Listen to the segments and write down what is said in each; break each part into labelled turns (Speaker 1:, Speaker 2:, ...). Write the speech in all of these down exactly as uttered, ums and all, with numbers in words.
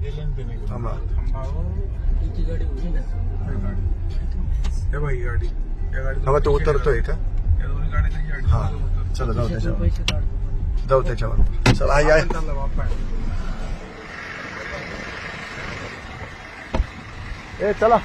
Speaker 1: थांबा
Speaker 2: गाडी होती ना
Speaker 1: हे बाई गाडी या गाडी
Speaker 3: हवा तो उतरतोय का?
Speaker 1: या दोन्ही गाड्यांची गाडी
Speaker 3: हा चला जाऊ त्याच्यावर
Speaker 2: पैसे काढतो पण
Speaker 3: जाऊ त्याच्यावर चला आई आहे.
Speaker 1: चालला बाप्पा
Speaker 3: ए चला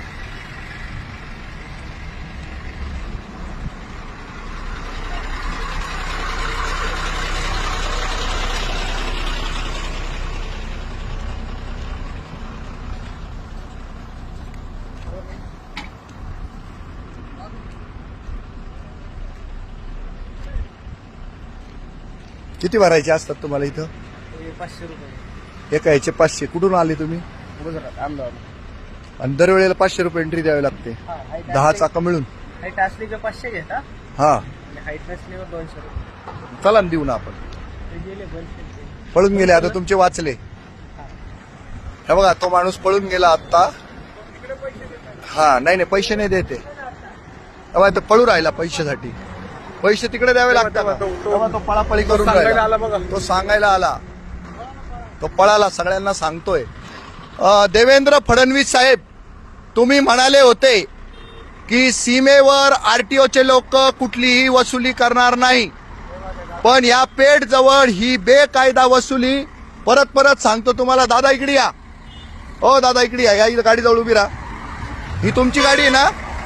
Speaker 3: किती भरायचे असतात तुम्हाला इथं?
Speaker 2: हे पाचशे रुपये
Speaker 3: एका ह्याचे पाचशे. कुठून आले तुम्ही?
Speaker 2: गुजरात अहमदाबाद.
Speaker 3: आणि दरवेळेला पाचशे रुपये एंट्री द्यावी लागते.
Speaker 2: हा, हाईट
Speaker 3: दहा
Speaker 2: असली-
Speaker 3: चाका मिळून.
Speaker 2: हाईट असली की पाचशे घेता
Speaker 3: हा
Speaker 2: आणि हाईट नसल्यावर दोनशे रुपये.
Speaker 3: चला ना देऊ ना आपण.
Speaker 2: ते गेले बंद केले.
Speaker 3: पळून गेले आता तुमचे वाचले. हे बघा तो माणूस पळून गेला आता. हा नाही नाही पैसे नाही देते. तेव्हा तो पळू राहिला पैशासाठी. पैसे तिकडे द्यावे लागतात. तेव्हा तो पळापळी करून
Speaker 1: सांगायला आला
Speaker 3: राहिला.
Speaker 1: बघा.
Speaker 3: तो सांगायला आला. तो पळाला सगळ्यांना सांगतोय. अ, देवेंद्र फडणवीस साहेब तुम्ही म्हणाले होते की सीमेवर आरटीओचे लोक कुठलीही वसुली करणार नाही, पण या पेठ जवळ ही बेकायदा वसुली परत परत सांगतो तुम्हाला. दादा इकडे या. हो दादा इकडे या. या इथं गाडी जवळ उभी राहा. ही तुमची गाडी आहे ना?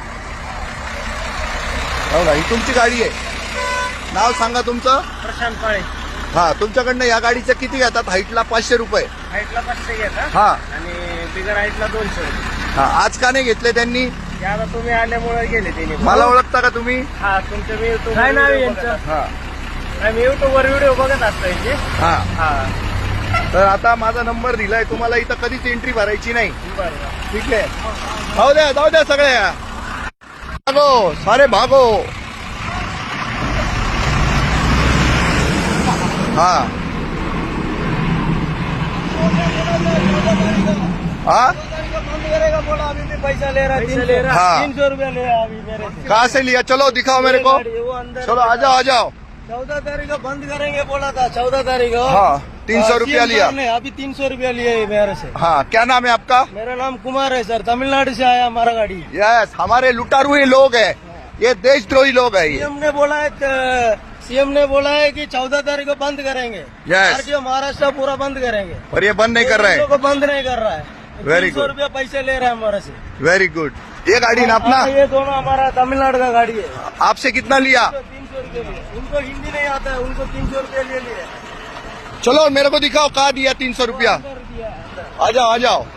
Speaker 3: हो ना ही तुमची गाडी आहे. नाव सांगा तुमचं.
Speaker 2: प्रशांत काळे.
Speaker 3: हा तुमच्याकडनं या गाडीचं किती घेतात? हाईटला पाचशे रुपये.
Speaker 2: हाईटला पाचशे घेता
Speaker 3: हा
Speaker 2: आणि बिगर हाईटला दोनशे रुपये.
Speaker 3: हा आज का नाही घेतले त्यांनी?
Speaker 2: ते आता तुम्ही आल्यामुळे गेले त्यांनी.
Speaker 3: मला ओळखता का तुम्ही?
Speaker 2: हा तुमच्या मी युट्यूब काय नाव यांचं?
Speaker 3: हा
Speaker 2: मी युट्यूब वर व्हिडिओ बघत असतो यांचे.
Speaker 3: हा
Speaker 2: हा
Speaker 3: तर आता माझा नंबर दिलाय तुम्हाला. इथं कधीच एंट्री भरायची नाही.
Speaker 2: बरं.
Speaker 3: ठीक आहे. जाऊ द्या जाऊ द्या सगळ्या. भागो सारे भागो. हा हा
Speaker 2: बंद करेगा बोला. अभी भी पैसा ले रहा है. तीन ले रहा
Speaker 3: हाँ.
Speaker 2: तीन सौ रुपया ले रहा है अभी मेरे से.
Speaker 3: कहाँ से लिया? चलो दिखाओ मेरे को.
Speaker 2: गाड़ी, वो अंदर
Speaker 3: चलो आ जाओ आ जाओ.
Speaker 2: चौदह तारीख को बंद करेंगे बोला था. चौदह तारीख को.
Speaker 3: हाँ तीन सौ रुपया
Speaker 2: सीएम
Speaker 3: लिया.
Speaker 2: साहब ने अभी तीन सौ रुपया लिए है मेरे से.
Speaker 3: हाँ क्या नाम है आपका?
Speaker 2: मेरा नाम कुमार है सर. तमिलनाडु से आया हमारा गाड़ी.
Speaker 3: यस हमारे लुटारू ही लोग हैं. ये देशद्रोही लोग हैं ये.
Speaker 2: सीएम ने बोला है सीएम ने बोला है कि चौदह तारीख को बंद करेंगे.
Speaker 3: Yes.
Speaker 2: आरटीओ महाराष्ट्र पूरा बंद करेंगे.
Speaker 3: और ये बंद नहीं कर रहे
Speaker 2: इन लोगों को बंद नहीं कर रहा है.
Speaker 3: Very
Speaker 2: तीन सौ
Speaker 3: good.
Speaker 2: रुपया पैसे ले रहा है हमारे से.
Speaker 3: Very good. ये गाड़ी ना अपना
Speaker 2: हाँ, ये दोनों हमारा तमिलनाडु का गाड़ी है.
Speaker 3: आपसे कितना लिया?
Speaker 2: तीन सौ रुपये लिए. उनको हिंदी नहीं आता है. उनको तीन सौ रुपये ले लिए.
Speaker 3: चलो मेरे को दिखाओ कहाँ दिया तीन सौ रुपया.
Speaker 2: अंदर दिया है, अंदर.
Speaker 3: आ जाओ आ जाओ.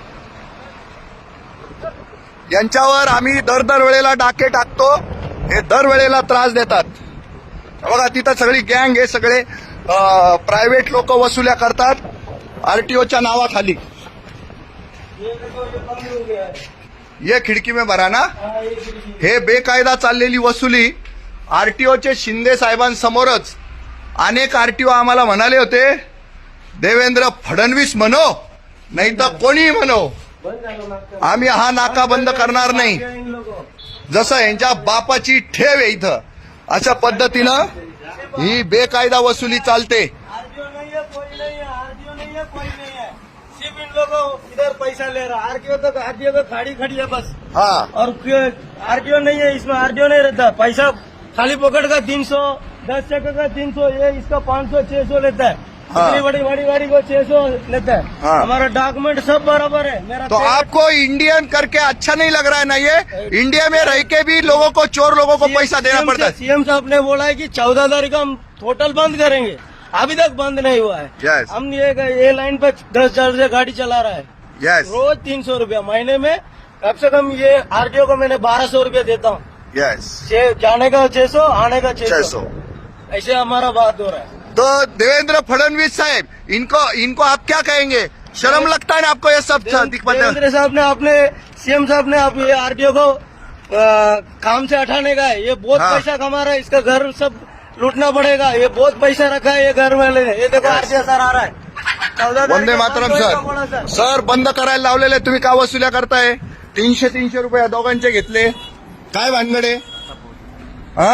Speaker 3: यांच्यावर आम्ही दर दर वेळेला डाके टाकतो. हे दर वेळेला त्रास देतात. बघा तिथं सगळी गँग हे सगळे प्रायव्हेट लोक वसुल्या करतात आरटीओच्या नावाखाली.
Speaker 2: ये देखो ये बंद हो गया है.
Speaker 3: ये खिडकी में भरा ना.
Speaker 2: हाँ, ये खिड़की.
Speaker 3: हे बेकायदा चाललेली वसुली आरटीओचे शिंदे साहेबांसमोरच अनेक आरटीओ आम्हाला म्हणाले होते देवेंद्र फडणवीस म्हणो नाही तर कोणी म्हणो
Speaker 2: बंद झालं नाटक.
Speaker 3: आम्ही हा नाका बंद करणार नाही.
Speaker 2: इन लोगों.
Speaker 3: जसं यांच्या बापाची ठेव आहे इथं अशा पद्धतीनं ही बेकायदा वसुली चालते.
Speaker 2: आरटीओ नहीं है, कोई नहीं है. आरटीओ नहीं है, कोई नहीं है. सिर्फ इन लोगों इधर पैसा ले रहा. आरटीओ तो आरटीओ को खाड़ी खड़ी है बस.
Speaker 3: हा
Speaker 2: और आरटीओ नहीं है. इसमें आरटीओ नहीं रहता. पैसा खाली पकड़ का तीन सौ, दस चक्कर का तीन सौ, ये इसका पाँच सौ छह सौ लेता है.
Speaker 3: हाँ।
Speaker 2: इतनी बड़ी बड़ी गाड़ी को छह सौ लेता है.
Speaker 3: हाँ।
Speaker 2: हमारा डॉक्यूमेंट सब बराबर है. मेरा
Speaker 3: तो
Speaker 2: पेपर-
Speaker 3: आपको इंडियन करके अच्छा नहीं लग रहा है ना? ये इंडिया में रह के भी लोगों को चोर लोगों को पैसा देना पड़ता है.
Speaker 2: सीएम साहब ने बोला है कि चौदह तारीख को हम टोटल बंद करेंगे. अभी तक बंद नहीं हुआ है.
Speaker 3: Yes.
Speaker 2: हम ये ये लाइन पे दस हजार से गाड़ी चला रहा है.
Speaker 3: यस
Speaker 2: रोज तीन सौ रूपया महीने में. कम से कम ये आरटीओ को मैंने बारह सौ रूपया देता हूँ.
Speaker 3: यस
Speaker 2: छह- जाने का छह सौ, आने का
Speaker 3: छह
Speaker 2: छह
Speaker 3: सौ.
Speaker 2: सौ. ऐसे हमारा बात हो रहा है.
Speaker 3: तो देवेंद्र फडणवीस साहब इनको इनको आप क्या कहेंगे? शर्म लगता है ना आपको ये सब दिख-
Speaker 2: देवेंद्र साहब ने अपने सीएम साहब ने अब ये आरटीओ को आ, काम से हटाने का है. ये बहुत
Speaker 3: हाँ.
Speaker 2: पैसा कमा रहा है. इसका घर सब लूटना पड़ेगा. ये बहुत पैसा रखा है ये घर वाले ने. ये देखो आरटीओ सर आ रहा है. चौदह तारीख
Speaker 3: वंदे
Speaker 2: को
Speaker 3: मातरम
Speaker 2: बंद होएगा बोला
Speaker 3: सर. सर बंद करायला लावलेले तुम्ही का वसुल्या करताय? तीनशे तीनशे रुपये या दोघांचे घेतले. काय भानगडे? हा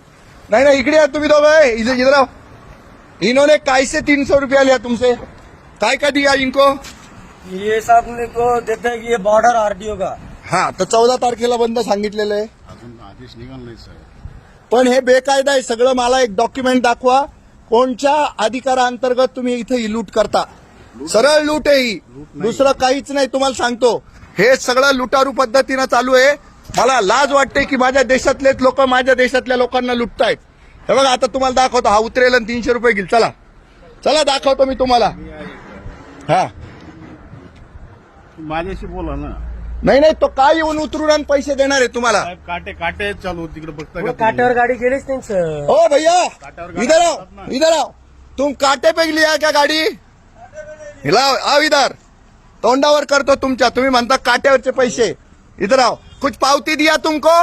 Speaker 3: नहीं नहीं इकडे या तुम्ही दोघं. इधर इधर आओ. इन्होंने कैसे तीन सौ रुपया लिया तुमसे? काय का दिया इनको?
Speaker 2: ये साहब ने को देते हैं कि ये बॉर्डर आरटीओ का।
Speaker 3: हा, तर चौदा तारखेला बंद सांगितलेलं आहे,
Speaker 4: अजून आदेश निघाला नाही साहेब.
Speaker 3: पण हे बेकायदा आहे सगळं. मला एक डॉक्युमेंट दाखवा, कोणत्या अधिकाराअंतर्गत तुम्ही इथं ही लूट करता. सरळ लूट आहे ही, दुसरं काहीच नाही. तुम्हाला सांगतो, हे सगळं लुटारू पद्धतीनं चालू आहे. मला लाज वाटते की माझ्या देशातलेच लोक माझ्या देशातल्या लोकांना लुटतायत. हे बघा, आता तुम्हाला दाखवतो. हा उतरेल आणि तीनशे रुपये घेईल. चला चला दाखवतो मी तुम्हाला. हा,
Speaker 4: माझ्याशी बोला ना
Speaker 3: नाही नाही, तो काय येऊन उतरून आणि पैसे देणार आहे तुम्हाला.
Speaker 4: साहेब. काटे काटे चालू तिकडे बघता का
Speaker 2: वो
Speaker 4: तुम्ही?
Speaker 2: काट्यावर गाडी गेलीच नाही सर।
Speaker 3: ओ भैया,
Speaker 4: काट्यावर गाडी
Speaker 3: इधर
Speaker 4: असतात
Speaker 3: आओ,
Speaker 4: ना.
Speaker 3: इधर आओ. तुम काटे पे लिया क्या गाडी? हिलाओ, आओ इधर. तोंडावर करतो तुमच्या. तुम्ही म्हणता काट्यावरचे पैसे. इधर आओ. कुछ पावती दिया तुमको?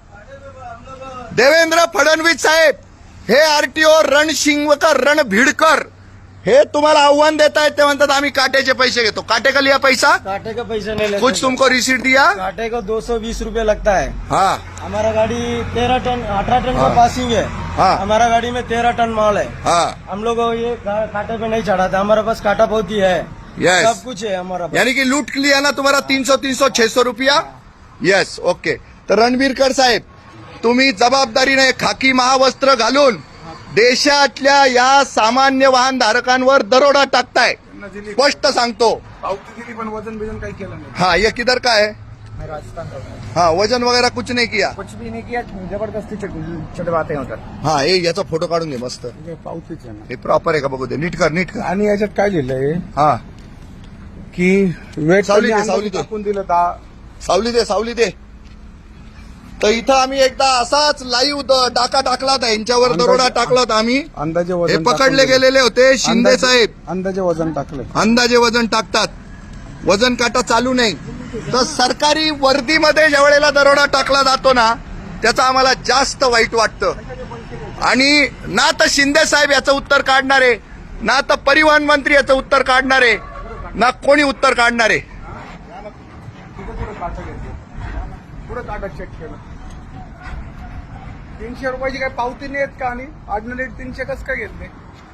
Speaker 3: देवेंद्र फडणवीस साहेब, हे आरटीओ रणशिंगकर रणभिडकर हे तुम्हाला आव्हान देत आहेत. ते म्हणतात आम्ही काट्याचे पैसे घेतो. काटे का लिया पैसा?
Speaker 2: काटे का पैसा नहीं लेते।
Speaker 3: कुछ तुमको रिसीट दिया?
Speaker 2: काटे को दो सौ बीस रूपये लगता है।
Speaker 3: हाँ
Speaker 2: हमारा गाड़ी तेरह टन अठारह टन
Speaker 3: हाँ।
Speaker 2: का पासिंग है।
Speaker 3: हाँ।
Speaker 2: हमारा गाड़ी में तेरह टन माल है।
Speaker 3: हाँ,
Speaker 2: हम लोग को ये का- कांटे पे नहीं चढ़ाता, हमारे पास कांटा बहुत ही है।
Speaker 3: Yes.
Speaker 2: सब कुछ है हमारा पास।
Speaker 3: यानी कि लूट लिया ना तुम्हारा तीन सौ तीन सौ छह सौ रुपया. Yes, okay. तर रणबीरकर साहेब, तुम्ही जबाबदारीने खाकी महावस्त्र घालून देशातल्या या सामान्य वाहन धारकांवर दरोडा टाकताय.
Speaker 1: त्यांना दिली
Speaker 3: स्पष्ट सांगतो.
Speaker 1: पावती दिली पण वजन बिजन काही केलं नाही.
Speaker 3: हाँ, ये किधर का है?
Speaker 1: मैं राजस्थान का हूँ।
Speaker 3: हाँ, वजन वगैरह कुछ नहीं किया.
Speaker 1: कुछ भी नहीं किया, जबरदस्ती छोटे बातें होतात.
Speaker 3: हाँ, हे याचा फोटो काढून घे मस्त.
Speaker 1: हे पावतीच आहे ना.
Speaker 3: हे प्रॉपर आहे का बघू दे. नीट कर, नीट कर.
Speaker 1: आणि याच्यात काय लिहिलंय
Speaker 3: हा,
Speaker 1: की वेट
Speaker 3: सावली दे,
Speaker 1: कमी
Speaker 3: सावली दे.
Speaker 1: टाकून दिलं दहा.
Speaker 3: सावली दे, सावली दे. तर इथं आम्ही एकदा असाच लाईव्ह डाका टाकला होता, यांच्यावर दरोडा टाकला होता आम्ही.
Speaker 1: अंदाजे
Speaker 3: हे
Speaker 1: वजन
Speaker 3: पकडले
Speaker 1: टाकून
Speaker 3: गेलेले होते शिंदे
Speaker 1: अंदाजे-
Speaker 3: साहेब.
Speaker 1: अंदाजे वजन टाकलं.
Speaker 3: अंदाजे वजन टाकतात, वजन काटा चालू नाही. तर सरकारी वर्दीमध्ये ज्या वेळेला दरोडा टाकला जातो ना, त्याचं आम्हाला जास्त वाईट वाटतं. आणि ना तर शिंदे साहेब याचं उत्तर काढणारे, ना तर परिवहन मंत्री याचं उत्तर काढणारे, ना कोणी उत्तर काढणारे.
Speaker 1: पुढे काटा घेतलं, पुढे काटा चेक केलं. तीनशे रुपयाची काही पावती नाही आहेत का? आणि ऑर्डिनरी तीनशे कसं काय घेतले?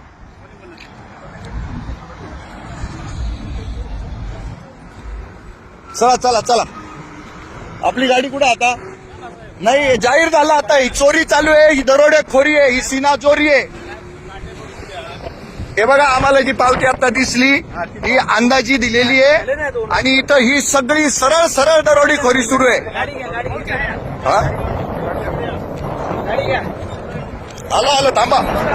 Speaker 3: चला चला चला, आपली गाडी कुठे आता? नाही, हे जाहीर झालं आता. ही चोरी चालू आहे, ही दरोडेखोरी आहे, ही सीना चोरी आहे. हे बघा, आम्हाला जी पावती आता दिसली ही अंदाजी दिलेली आहे. आणि इथं ही सगळी सरळ सरळ दरोडेखोरी सुरू आहे. हा? आलो आलो, थांबा.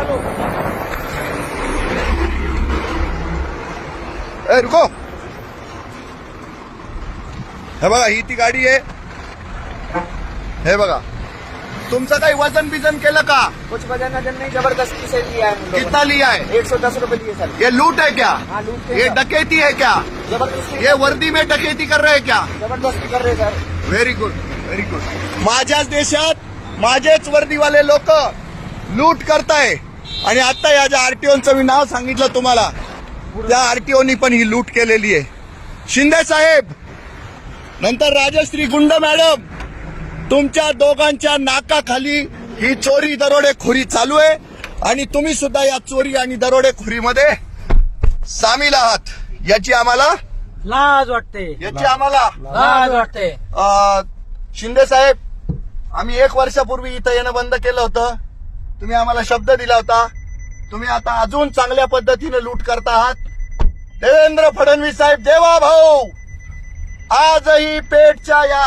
Speaker 3: ए रुको. हे बघा, ही ती गाडी आहे. हे बघा, तुमचं काही वजन बिजन केलं का?
Speaker 1: कुछ वजन वजन नहीं, जबरदस्ती से लिया है हम लोगों
Speaker 3: कितना लिया है?
Speaker 1: ने। एक सौ दस रुपए लिए सर।
Speaker 3: ये लूट है क्या?
Speaker 1: हाँ, लूट के
Speaker 3: ये
Speaker 1: सर।
Speaker 3: डकैती है क्या?
Speaker 1: जबरदस्ती
Speaker 3: ये वर्दी में डकैती कर रहे हैं क्या?
Speaker 1: जबरदस्ती कर रहे sir.
Speaker 3: Very good, very good. माझ्याच देशात माझेच वर्दीवाले लोक लूट करताय. आणि आता या ज्या आरटीओचं मी नाव सांगितलं तुम्हाला, त्या आरटीओनी पण ही लूट केलेली आहे. शिंदे साहेब, नंतर राजश्री गुंड मॅडम, तुमच्या दोघांच्या नाकाखाली ही चोरी दरोडेखोरी चालू आहे. आणि तुम्ही सुद्धा या चोरी आणि दरोडेखोरीमध्ये सामील आहात. याची आम्हाला
Speaker 2: लाज वाटते,
Speaker 3: याची आम्हाला
Speaker 2: लाज वाटते.
Speaker 3: अ, शिंदे साहेब, आम्ही एक वर्षापूर्वी इथं येणं बंद केलं होतं. तुम्ही आम्हाला शब्द दिला होता. तुम्ही आता अजून चांगल्या पद्धतीने लूट करता आहात. देवेंद्र फडणवीस साहेब, देवा भाऊ, आजही पेठच्या या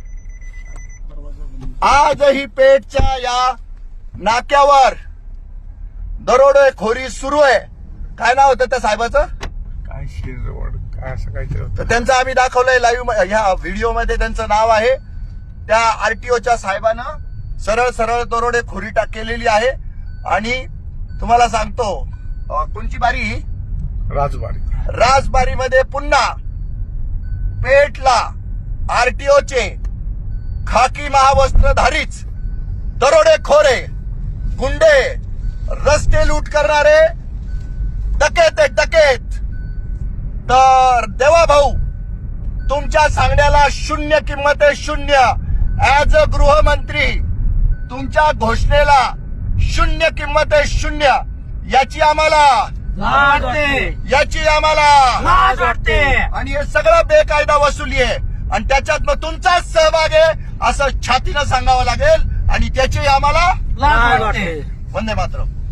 Speaker 3: आजही पेठच्या या नाक्यावर दरोडेखोरी सुरू आहे. काय नाव होतं त्या साहेबाचं?
Speaker 1: काय शिरवड, काय असं काहीतरी होतं.
Speaker 3: तर त्यांचं आम्ही दाखवलंय लाईव्ह ह्या व्हिडिओमध्ये. त्यांचं नाव आहे. त्या आरटीओच्या साहेबानं सरळ सरळ दरोडेखोरी टाक केलेली आहे. आणि तुम्हाला सांगतो, अ, कोणची बारी ही?
Speaker 1: राजबारी.
Speaker 3: राजबारीमध्ये पुन्हा पेठला आरटीओचे खाकी महावस्त्रधारीच दरोडेखोरे, गुंडे, रस्ते लूट करणारे डकेत आहेत, डकेत. तर देवा भाऊ, तुमच्या सांगण्याला शून्य किंमत आहे, शून्य. ऍज अ गृहमंत्री तुमच्या घोषणेला शून्य किंमत आहे, शून्य. याची आम्हाला
Speaker 2: लाज वाटते,
Speaker 3: याची आम्हाला
Speaker 2: लाज वाटते.
Speaker 3: आणि हे सगळं बेकायदा वसुली आहे आणि त्याच्यात मग तुमचाच सहभाग आहे असं छातीनं सांगावं लागेल आणि त्याची आम्हाला
Speaker 2: लाज वाटते.
Speaker 3: वंदे मातरम.